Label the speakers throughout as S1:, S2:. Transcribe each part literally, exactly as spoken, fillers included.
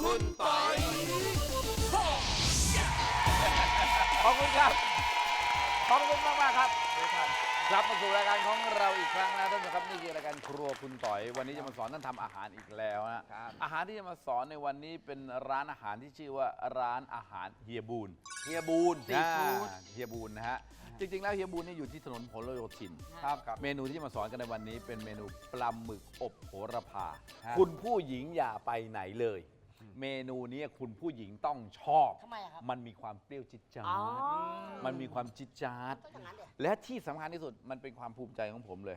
S1: คุณปอย
S2: ขอบคุณครับ ขอบคุณมากมากๆครับกลับมาสู่รายการของเราอีกครั้งนะท่านผู้ชมครับนี่คือรายการครัวคุณต่อยวันนี้จะมาสอนท่านทำอาหารอีกแล้วนะอาหารที่จะมาสอนในวันนี้เป็นร้านอาหารที่ชื่อว่าร้านอาหารเฮียบูน
S1: เฮียบูนซีฟู้ด
S2: อ่าเฮียบูนนะฮะจริงๆแล้วเฮียบูนนี่อยู่ที่ถนนพหลโยธินครับเมนูที่จะมาสอนกันในวันนี้เป็นเมนูปลาหมึกอบโหระพาคุณผู้หญิงอย่าไปไหนเลย เมนูนี้คุณผู้หญิงต้องชอบ
S3: ทำไมอะครับ
S2: มันมีความเปรี้ยวจิ๊ดจ๊า
S3: อ๋อ
S2: ดมันมีความจิ๊ดจ๊าด
S3: ต้องอย่างนั้นเดี๋ยว
S2: และที่สำคัญที่สุดมันเป็นความภูมิใจของผมเลย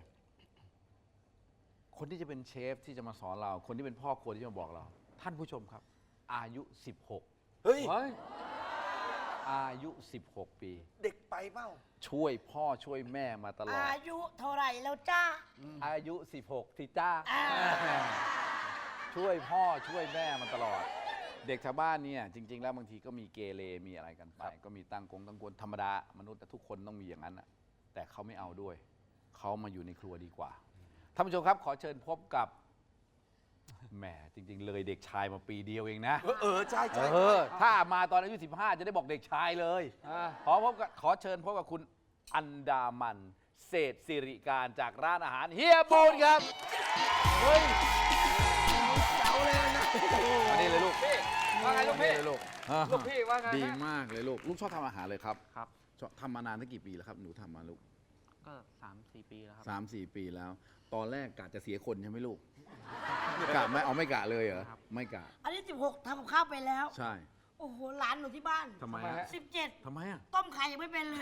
S2: คนที่จะเป็นเชฟที่จะมาสอนเรา คนที่เป็นพ่อครัวที่จะมาบอกเรา ท่านผู้ชมครับ อายุ สิบหก
S1: เฮ้ย
S2: อายุ สิบหก ปี
S1: เด็กไปเปล่า
S2: ช่วยพ่อช่วยแม่มาตลอด
S3: อายุเท่าไหร่แล้วจ้า
S2: อายุ สิบหกสิจ้า
S3: อ่า
S2: ช่วยพ่อช่วยแม่มาตลอด เด็กชาวบ้านเนี่ยจริง ๆ แล้วบางทีก็มีเกเรมีอะไรกันไป ก็มีตั้งกงตั้งกวนธรรมดามนุษย์แต่ทุกคนต้องมีอย่างนั้นนะแต่เขาไม่เอาด้วย เขามาอยู่ในครัวดีกว่าท่านผู้ชมครับขอเชิญพบกับแหมจริง ๆ เลยเด็กชายมาปีเดียวเองนะ
S1: เออเออใช่ใช่
S2: เออถ้ามาตอนอายุสิบห้าจะได้บอกเด็กชายเลยขอพบกับขอเชิญพบกับคุณอันดามันเศรษฐสิริการจากร้านอาหารเฮียบูนครับเฮ้ย
S1: เจ้าเลยนะ
S2: อันนี้เลยลูก
S4: ว่าไงลูกพี่
S2: เลยลูก
S4: ลูกพี่ว่าไงฮะ
S2: ดีมากเลยลูกลูกชอบทำอาหารเลยครับ
S4: ครับ
S2: ชอบทำมานานตั้งกี่ปีแล้วครับหนูทำมาลูก
S4: ก็สามสี่ปีแล้วครับ
S2: สามสี่ปีแล้ว ตอนแรกกะจะเสียคนใช่ไหมลูกกะไม่เอาไม่กะเลยเหรอ
S4: ครับ
S2: ไม่กะ
S3: อันนี้สิบหกทำกับข้าวไปแล้ว
S2: ใช่
S3: โอ้โหหลานหนูที่บ้าน
S2: ทำไมฮะ
S3: สิบเจ็ด
S2: ทำไมอ่ะ
S3: ต้มไข่ยังไม่เป็นเลย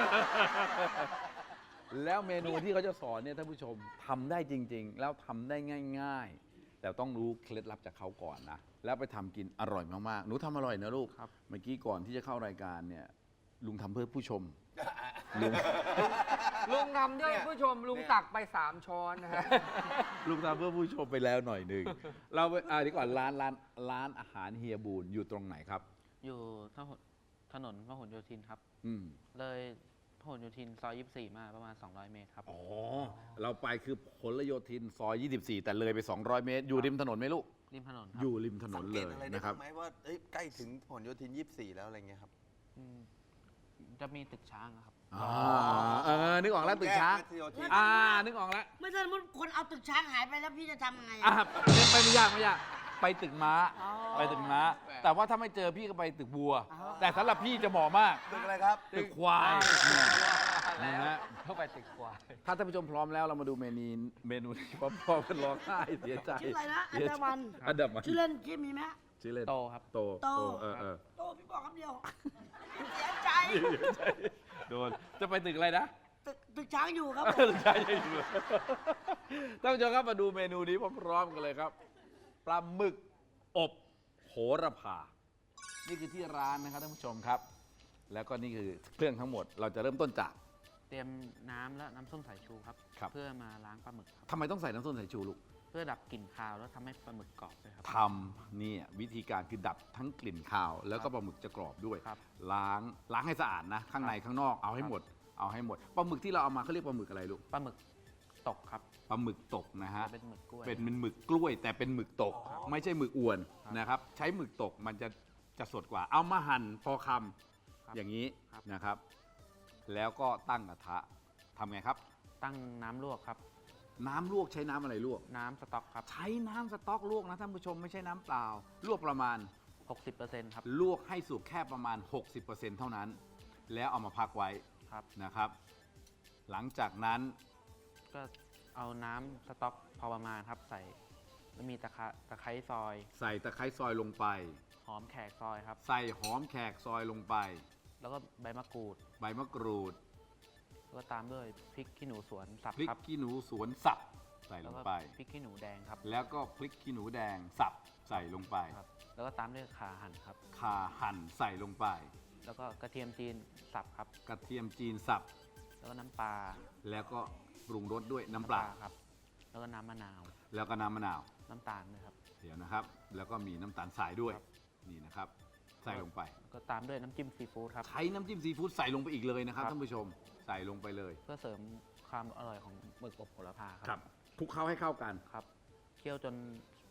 S2: แล้วเมนูที่เขาจะสอนเนี่ยท่านผู้ชมทำได้จริง ๆ แล้วทำได้ง่าย ๆ แต่ต้องรู้เคล็ดลับจากเขาก่อนนะ แล้วไปทำกินอร่อยมากๆหนูทำอร่อยนะลูก
S4: ครับ
S2: เมื่อกี้ก่อนที่จะเข้ารายการเนี่ยลุงทำเพื่อผู้ชมลุง
S4: ลุงทำด้วยผู้ชมลุงตักไปสามช้อนนะฮะ
S2: ลุงทำเพื่อผู้ชมไปแล้วหน่อยหนึ่งเราไปอ่าดีก่อนร้านร้านร้านอาหารเฮียบูนอยู่ตรงไหนครับ
S4: อยู่ถนนถนนพหลโยธินครับ
S2: อืม
S4: เลยพหลโยธินซอยยี่สิบสี่มาประมาณสองร้อยเมตรครับ
S2: อ๋อเราไปคือพหลโยธินซอยยี่สิบสี่แต่เลยไปสองร้อยเมตร อยู่ริมถนนไหมลูก
S4: ริมถนนครั
S2: อยู่ริมถน
S1: สั
S2: น
S1: ง
S2: เล
S1: เกต
S2: ย
S1: อะไรได้
S2: นะครับ
S1: ไหมว่าเอ้ยใกล้ถึงผลโยธินยี่สิบสี่แล้วอะไรเงี้ยครับ
S4: อืมจะมีตึกช้างอะครับ
S2: อ๋อเออนึกออกแล้วตึกช้าง
S1: แยกโยธิน
S2: อ่านึกออกแล้ว
S3: ไม่ใช่สมมติคนเอาตึกช้างหายไปแล้วพี่จะทำไง
S2: อ่ะ
S3: อะ
S2: ไปไม่ยากไม่ยากไปตึกม้า
S3: อ๋อ
S2: ไปตึกม้า แต่ว่าถ้าไม่เจอพี่ก็ไปตึกบัว
S3: อ๋อ
S2: แต่สำหรับพี่จะเหมาะมาก
S1: ตึกอะไรครับ
S2: ตึกควายนะฮะ
S4: เข้าไปตึกกว่า
S2: ถ้าท่านผู้ชมพร้อมแล้วเรามาดูเมนูเมนูที่พ่อพ่อเป็นร้องไห้เสียใจ
S3: ชื่ออะไรนะอัน
S2: เสีย
S3: ดา
S2: ใจ
S3: มัน
S2: อันดามัน
S3: ชื่อเล่นชื่อมีไหม
S2: ชื่อเล่น
S4: โตครับ
S2: โต
S3: โต
S2: เออเออ
S3: โตพี่บอกคำเดียว เสียใจ
S2: โดนจะไปตึกอะไรนะ
S3: ตึกตึกช้างอยู่ครับผม
S2: ใช่ใช่อยู่ท่านผู้ชมครับมาดูเมนูนี้พร้อมๆกันเลยครับปลาหมึกอบโหระพา นี่คือที่ร้านนะครับท่านผู้ชมครับ แล้วก็นี่คือเครื่องทั้งหมด เราจะเริ่มต้นจาก
S4: เตรียมน้ำและน้ำส้มสายชูครับ
S2: ครับ
S4: เพื่อมาล้างปลาหมึกครับ
S2: ทำไมต้องใส่น้ำส้มสายชูลูก
S4: เพื่อดับกลิ่นคาวแล้วทำให้ปลาหมึกกรอบด้วยครับ
S2: ทำเนี่ยวิธีการคือดับทั้งกลิ่นคาว แล้วก็ปลาหมึกจะกรอบด้วย
S4: ครับ
S2: ล้างล้างให้สะอาดนะ ข้างในข้างนอกเอาให้หมด เอาให้หมดปลาหมึกที่เราเอามาเขาเรียกปลาหมึกอะไรลูก
S4: ปลาหมึกตกครับ
S2: ปลาหมึกตกนะฮะ
S4: เป็นหมึกกล้วย
S2: เป็นเป็นหมึกกล้วย แต่เป็นหมึกตก ไม่ใช่หมึกอวน
S4: ครับ
S2: นะครับ ใช้หมึกตกมันจะจะสดกว่า เอามาหั่นพอค
S4: ครับ
S2: ำอย่างนี้
S4: ครับ
S2: นะครับ แล้วก็ตั้งกระทะทำไงครับ
S4: ตั้งน้ำลวกครับ
S2: น้ำลวกใช้น้ำอะไรลวก
S4: น้ำสต๊อกครับ
S2: ใช้น้ำสต๊อกลวกนะท่านผู้ชมไม่ใช่น้ำเปล่า ลวกประมาณ
S4: หกสิบเปอร์เซ็นต์ ครับ
S2: ลวกให้สุกแค่ประมาณ หกสิบเปอร์เซ็นต์ เท่านั้น แล้วเอามาพักไว้
S4: ครับ
S2: นะครับ หลังจากนั้น
S4: ก็เอาน้ำสต๊อกพอประมาณครับใส่แล้วมีตะไคร้ตะไคร้ซอย
S2: ใส่ตะไคร้ซอยลงไป
S4: หอมแขกซอยครับ
S2: ใส่หอมแขกซอยลงไป
S4: แล้วก็ใบมะกรูด
S2: ใบมะกรูด
S4: แล้วก็ตามด้วยพริกขี้หนูสวนสับ
S2: พริก
S4: ครับ
S2: ขี้หนูสวนสับใส่ล
S4: แล้ว
S2: ง
S4: ก็
S2: ไป
S4: พริกขี้หนูแดงครับ
S2: แล้วก็พริกขี้หนูแดงสับใส่ลงไป
S4: ครับ แล้วก็ตามด้วยข่าหั่นครับ
S2: ข่าหั่นใส่ลงไป
S4: แล้วก็กระเทียมจีนสับครับ
S2: กระเทียมจีนสับ
S4: แล้วก็น้ำปลา
S2: แล้วก็ปรุงรสด้วยน้ำปลา
S4: ครับ แล้วก็น้ำมะนาว
S2: แล้วก็น้ำมะนาว
S4: น้ำตาลด้วยครับ
S2: เดี๋ยวนะครับ แล้วก็มีน้ำตาลทรายด้วย
S4: ครับ
S2: นี่นะครับ ใส่ลงไป
S4: แล้วก็ตามด้วยน้ำจิ้มซีฟู้ดครับ
S2: ใช้น้ำจิ้มซีฟู้ดใส่ลงไปอีกเลยนะครับ
S4: ครับ
S2: ท่านผู้ชมใส่ลงไปเลย
S4: เพื่อเสริมความอร่อยของหมึกอบโหระพาค
S2: ค
S4: รั
S2: รับคลุกเคล้าให้เข้ากัน
S4: ครับเคี่ยวจน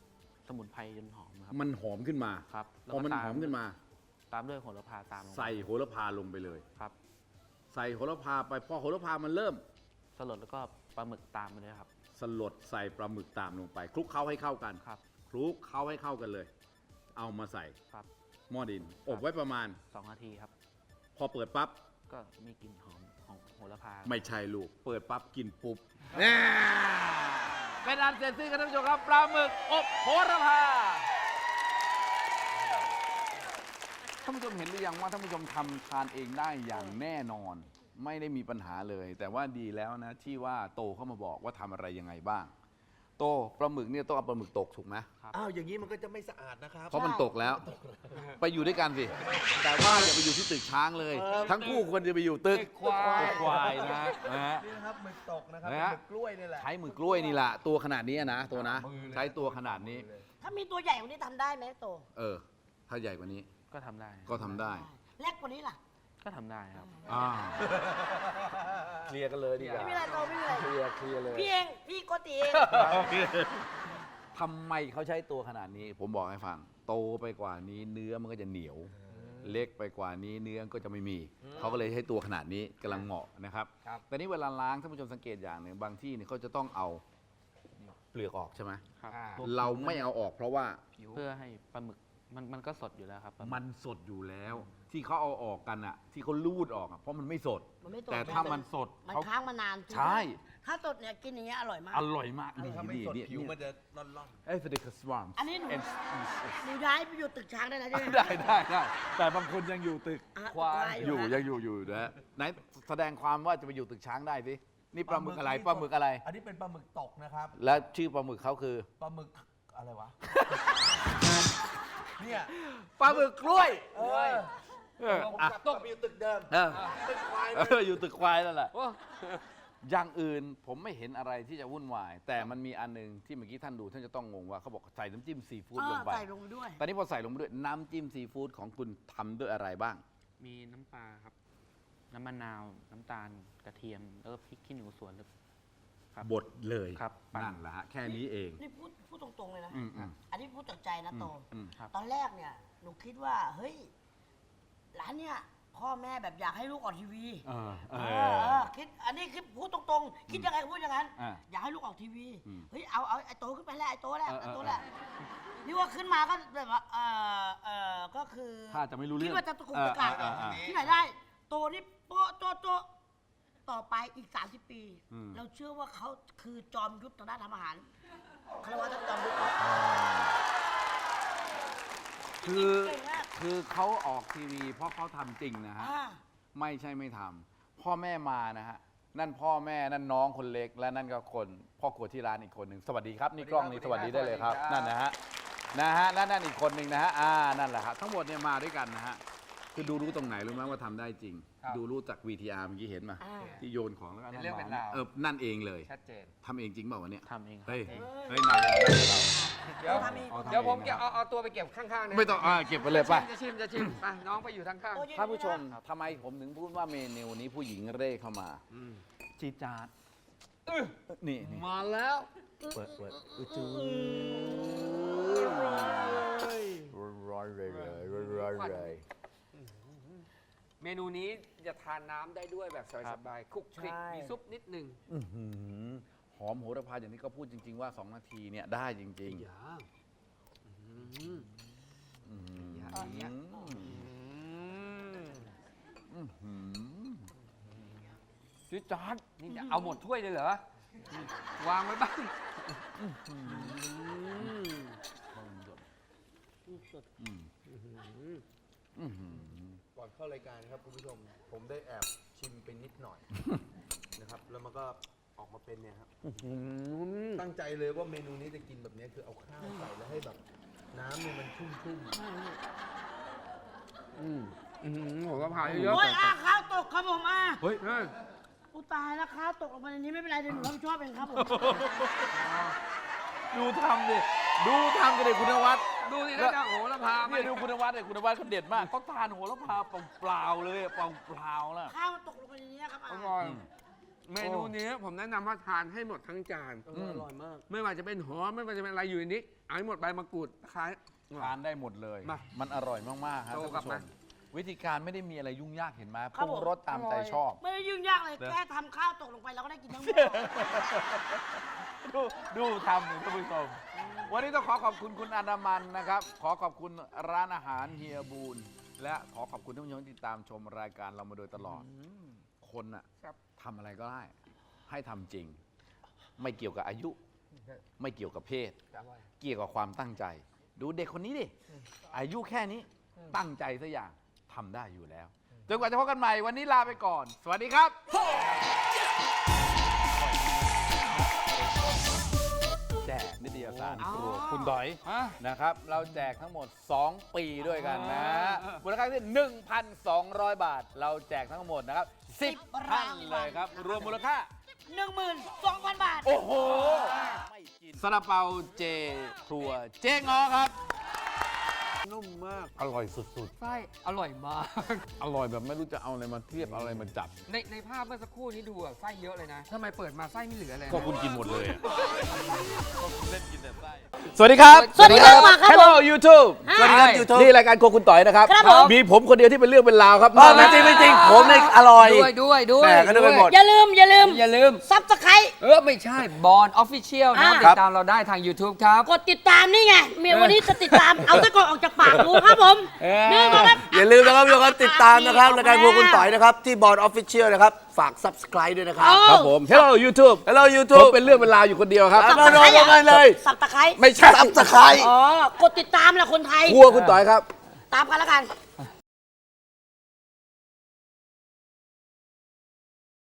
S4: สมุนไพรจนหอมครับ
S2: มันหอมขึ้นมา
S4: ครับแล้ว
S2: พอ
S4: ก็
S2: มัน
S4: ตาม
S2: หอมขึ้นมา
S4: ตามด้วยโหระพาตามลงไป
S2: ใส่โหระพาลงไปเลย
S4: ครับ
S2: ใส่โหระพาไปพอโหระพามันเริ่ม
S4: สลดแล้วก็ปลาหมึกตามมาด้วยครับ
S2: สลดใส่ปลาหมึกตามลงไปคลุกเคล้าให้เข้ากัน
S4: ครับ
S2: คลุกเคล้าให้เข้ากันเลย เอามาใส่
S4: ครับ
S2: หม้อดิน อบไว้ประมาณ
S4: สองนาทีครับ
S2: พอเปิดปั๊บ
S4: ก็มีกลิ่นหอมของโหระพา
S2: ไม่ใช่ลูก เปิดปั๊บกินปุ๊บเป็นอันเสร็จสิ้นครับท่านผู้ชมครับปลาหมึกอบโหระพาท่านผู้ชมเห็นหรือยังว่าท่านผู้ชมทำทานเองได้อย่างแน่นอน ไม่ได้มีปัญหาเลย แต่ว่าดีแล้วนะที่ว่าโตเข้ามาบอกว่าทำอะไรยังไงบ้าง โตปลาหมึกเนี่ยต้องเอาปลาหมึกตกถูกไหม
S1: อ้าวอย่างนี้มันก็จะไม่สะอาดนะครับ
S2: เพราะมันตกแล้ว ไปอยู่ด้วยกันสิ แต่ว่าอย่าไปอยู่ที่ตึกช้างเลย ทั้งคู่ควรจะไปอยู่ตึกควายควายนะนะฮะ
S1: นี่นะครับหมึกตกนะครับ
S2: นะฮะ
S1: หมึกกล้วยนี่แหละ
S2: ใช้มือกล้วยนี่แหละตัวขนาดนี้นะตัวนะ ใช้ตัวขนาดนี้
S3: ถ้ามีตัวใหญ่กว่านี้ทำได้ไหมโต
S2: เออ ถ้าใหญ่กว่านี้
S4: ก็ทำได้
S2: ก็ทำได้
S3: เล็กกว่านี้ล่ะ
S4: ก็ทำได้ครับ
S2: อ่าเคลียร์กันเลยดีกว่า
S3: ไม่มีอะไรโตไม่มีอะไร
S2: เคลียร์เคลียร์เลย
S3: พี่เอง พี่โกติเอง
S2: ทำไมเขาใช้ตัวขนาดนี้ ผมบอกให้ฟัง โตไปกว่านี้เนื้อมันก็จะเหนียว เล็กไปกว่านี้เนื้อก็จะไม่มี เขาก็เลยให้ตัวขนาดนี้กำลังเหมาะนะครับ
S1: ครับ
S2: แต่นี้เวลาล้างท่านผู้ชมสังเกตอย่างหนึ่งบางที่เนี่ยเขาจะต้องเอาเปลือกออกใช่ไหม
S4: ครับ
S2: เราไม่เอาออกเพราะว่า
S4: เพื่อให้ปลาหมึกมันมันก็สดอยู่แล้วครับปลาหก
S2: มันสดอยู่แล้ว ที่เขาเอาออกกันอะที่เขาลูดออกอะเพราะมันไม่สด
S3: มันไม่ตก
S2: แต่ถ้ามันสด
S3: มัน
S2: เขา
S3: ค้างมานาน
S2: ใช่
S3: ถ้าสดเนี่ยกินอย่างเงี้ยอร่อยมาก
S2: อร่อยมากนี่
S1: ถ้าไม่
S2: นี่
S1: สด
S2: นี่
S1: ผิวมันจะร่อน
S2: เอ้ยสเต็กสวาม
S3: อันนี้หนูหนูย้ายไปอยู่ตึกช้างได้แล้วใช่ไหม
S2: ได้ได้ได้แต่บางคนยังอยู่ตึก
S3: อ่ะ
S2: ควาย
S3: ตึกควาย
S2: อยู่
S3: อยู่นะ
S2: ยังอยู่อยู่นะฮะไหนแสดงความว่าจะไปอยู่ตึกช้างได้สินี่ปลาหมึกอะไรปลาหมึกอะไร
S1: ๆอันนี้เป็นปลาหมึกตกนะครับ
S2: และชื่อปลาหมึกเขาคือ
S1: ปลาหมึกอะไรวะ เนี่ย
S2: ปลาหมึกกล้วย
S1: เออ
S2: เออ
S1: ผม
S2: อ่ะ
S1: กลับต้องไปอยู่ตึกเดิม
S2: เออ
S1: ตึกควาย
S2: เอออยู่ตึกควายนั่นแหละอย่างอื่นผมไม่เห็นอะไรที่จะวุ่นวาย แต่มันมีอันหนึงที่เมื่อกี้ท่านดูท่านจะต้องงงว่าเขาบอกใส่น้ำจิ้มซีฟู้ด
S3: เอ
S2: ล
S3: อง
S2: ไป
S3: ใส่ลงไปด้วย
S2: ตอนนี้พอใส่ลงไปด้วยน้ำจิ้มซีฟู้ดของคุณทำด้วยอะไรบ้าง
S4: มีน้ำปลาครับ น้ำมะนาว น้ำตาล กระเทียม แล้วก็พริกขี้หนูสวนแล้วครับ
S2: บดเลย
S4: ครับปั่น
S2: นั่นแหละฮะแค่นี้เอง
S3: นี่พูดพูดตรงๆเลยนะ
S2: อืมอืม
S3: อันนี้พูดจากใจนะโต
S2: อืม
S4: ครับ
S3: ตอนแรกเนี่ยหนูคิดว่า เฮ้ยร้านเนี่ยพ่อแม่แบบอยากให้ลูกออกทีวี
S2: เออเอ
S3: เอ
S2: อ
S3: อเออคิดอันนี้คิดพูดตรงๆ คิดยังไงก็พูดอย่างนั้น
S2: อ่า
S3: อยากให้ลูกออกทีวี
S2: อืม
S3: เฮ้ยเอาเอาไอ้โตขึ้นไปแล้วไอ้โตแล้ว
S2: เออเออ
S3: ไอ้โตแล้วนี่ว่าขึ้นมาก็แบบว่าเออเออก็คือ
S2: ถ้าจะไม่รู้เรื่อง
S3: คิดว่าจะตะกุกตะกัก
S2: เออเออเออ
S3: ที่ไหนได้ โตนี่โป๊ะโตโตต่อไปอีก สามสิบ ปี
S2: อืม
S3: เราเชื่อว่าเขาคือจอมยุทธทางด้านทำอาหารคารวะท่านจอมยุทธครับ
S2: คือ
S3: เก่งมาก
S2: คือเขาออกทีวีเพราะเขาทำจริงนะฮะ
S3: อ่า
S2: ไม่ใช่ไม่ทำพ่อแม่มานะฮะนั่นพ่อแม่นั่นน้องคนเล็ก และนั่นก็คนพ่อครัวที่ร้านอีกคนหนึ่งสวัสดีครับนี่กล้องนี้สวัสดีได้เลยครับนั่นนะฮะนะฮะนั่นนั่นอีกคนหนึ่งนะฮะอ่านั่นแหละครับทั้งหมดเนี่ยมาด้วยกันนะฮะคือดูรู้ตรงไหนรู้ไหมว่าทำได้จริง ดูรู้จาก วี ที อาร์ เมื่อกี้เห็นมา
S3: อ่า
S2: ที่โยนของแล้วก็
S5: เป็นเรื่องเป็นราว
S2: เออนั่นเองเลย
S5: ชัดเจน
S2: ทำเองจริงเปล่าวะเนี่ย
S4: ทำเองครับ
S2: เฮ้ยเฮ้ยนายเรา
S5: เดี๋ยว
S3: ทำเอง
S2: เอาทำ
S5: เดี๋ยวผม
S2: เอง
S5: เก็บ
S2: นะครับ
S5: เอาเอาตัวไปเก็บข้างๆนะ
S2: ไม่ต้องอ่าเก็บไปเลยป่ะ
S5: จะชิมจะชิมไปน้องไปอยู่ทางข้าง
S3: โตเย็น
S2: ท่านผู้ชม
S3: นะ
S2: ทำไมผมถึงพูดว่าเมนูนี้ผู้หญิงเร่เข้ามาจีดจาดนี่นี่
S5: มาแล้ว
S2: เปิดเปิดอือจืดร้อยเลยร้อยเลย
S5: เมนูนี้จะทานน้ำได้ด้วยแบบสบายๆคลุกคลิก
S3: ใช่
S5: มีซุปนิดหนึง
S2: อื้อหือหอมโหระพาอย่างที่เขาพูดจริง ๆ ว่า สอง นาทีเนี่ยได้จริงๆ
S5: อย่า
S2: อื้อหือ
S5: อย่างเงี้ย
S2: อื้อหือจีดจาด
S5: นี่จะเอาหมดถ้วยเลยเหรอ วางไว้บ้าง
S2: อืมอื้อหือ
S1: ก่อนเข้ารายการครับคุณผู้ชม ผมได้แอบชิมไปนิดหน่อย นะครับ แล้วมันก็ออกมาเป็นเนี่ยครับตั้งใจเลยว่าเมนูนี้จะกินแบบนี้คือเอาข้าวใส่แล้วให้แบบ น้ำเนี่ยมันชุ่ม
S5: อืมอืมโหระพาเยอะ
S3: โอ้ยอ่ะข้าวตกครับผมอ่ะ
S2: เฮ้ย
S5: ๆเฮ้ย
S3: อุยตายแล้วข้าวตกลงมาในนี้ไม่เป็นไรเดี๋ยวหนูรับผิดชอบเองครับผม
S2: ดูทำดิ ดูทำกันเลยคุณนวัด
S5: ดูสิแล้วจะโหระพาไหม
S2: เนี่ยดูคุณนวัดเลยคุณนวัดเขาเด็ดมากเขาทานโหระพาเปล่าๆเลยเปล่าๆแล้ว
S3: ข้าวมันตกลงไปในนี้ครับ
S5: อ
S3: อ่ะ
S5: ร่อยเมนูนี้ผมแนะนำว่าทานให้หมดทั้งจาน
S1: อร่อยมาก
S5: ไม่ว่าจะเป็นหอมไม่ว่าจะเป็นอะไรอยู่ในนี้เอาให้หมดใบมะกรูดคล้าย
S2: ทานได้หมดเลย
S5: มา
S2: มันอร่อยมากๆครับ
S5: โต
S2: ท่าน
S5: กลับ
S2: ผู้ช
S5: มา
S2: มวิธีการไม่ได้มีอะไรยุ่งยากเห็นไหม
S3: ครั
S2: ป
S3: บ
S2: รุง
S3: ผม
S2: รสตามใจชอบ
S3: ไม่ได้ยุ่งยากเลย
S2: เนอะ
S3: แค่ทำข้าวตกลงไปเราก็ได้กินทั้งหมด
S2: ดูดูทำท่านผู้ชม วันนี้ต้องขอขอบคุณคุณอนามันนะครับ ขอขอบคุณร้านอาหารเฮียบูนและขอขอบคุณท่านผู้ชมที่ติดตามชมรายการเรามาโดยตลอด คนน่ะทำอะไรก็ได้ ให้ทำจริง ไม่เกี่ยวกับอายุ ไม่เกี่ยวกับเพศ เกี่ยวกับความตั้งใจ ดูเด็กคนนี้ดิ อายุแค่นี้ตั้งใจสักอย่างทำได้อยู่แล้ว จนกว่าจะพบกันใหม่วันนี้ลาไปก่อน สวัสดีครับ แจกนิตยสารครัวคุณดอย
S5: ฮะ
S2: นะครับ เราแจกทั้งหมด สอง ปีด้วยกันนะมูลค่าที่ หนึ่งพันสองร้อย บาท เราแจกทั้งหมดนะครับ สิบ ท่านเลยครับ รวมมูลค่า
S3: หนึ่งหมื่นสองพันบาท
S2: โอ้โหไม่กินซาลาเปาเจครัวเจ๊งอครับ
S1: นุ่มมาก
S2: อร่อยสุด
S5: ไส้อร่อยมาก
S2: ๆ อร่อยแบบไม่รู้จะเอาอะไรมาเทียบเอาอะไรมาจับ
S5: ในในภาพเมื่อสักครู่นี้ดูอะไส้เยอะเลยนะทำไมเปิดมาไส้ไม่เหลือเลย
S2: ก็คุณกินหมดเลยอะก็คุณเล่นกินแต่ไส้สวัสดีครับ
S3: สวัสดีครับครับ
S2: Hello YouTube
S3: สวัสดีครับ
S1: YouTube
S2: นี่รายการโครัวคุณต่อยนะครับ
S3: ครับผม
S2: มีผมคนเดียวที่เป็นเรื่องเป็นราวครับ
S1: ไม่จริงไม่จริงผมเนี่ยอร่อย
S5: ด้วยด้วยด้วย
S1: แม่ก็นึกไปหมด
S3: อย่าลืม อย่าลืม
S5: อย่าลืม
S3: ซับสไครต์
S5: เออ ไม่ใช่บอลออฟฟิเชียลนะครับ
S3: อ่า
S5: ติดตามเราได้ทาง YouTube ครับ
S3: กดติดตามนี่ไงเมียวันนี้จะติดตาม เอาตะกอนออกจากปากดูครับผมนี่มาครับ
S1: อย่าลืมนะครับทุกคนติดตามนะครับรายการพวกคุณต่อยนะครับ ที่บอร์ดออฟฟิเชียลนะครับ ฝาก subscribe ด้วยนะครับ
S3: เอา
S2: ครับผม Hello YouTube
S1: Hello
S2: ผม
S1: YouTube
S2: เป็นเรื่องเป็นราวอยู่คนเดียวครับ
S1: เอามาลงกันเลย
S3: สับตะไคร้
S2: ไม่ใช่
S1: subscribe
S3: อ๋อ กดติดตามแหละคนไทย
S2: ครัวคุณต่อยครับ
S3: ตามกันแล้วกัน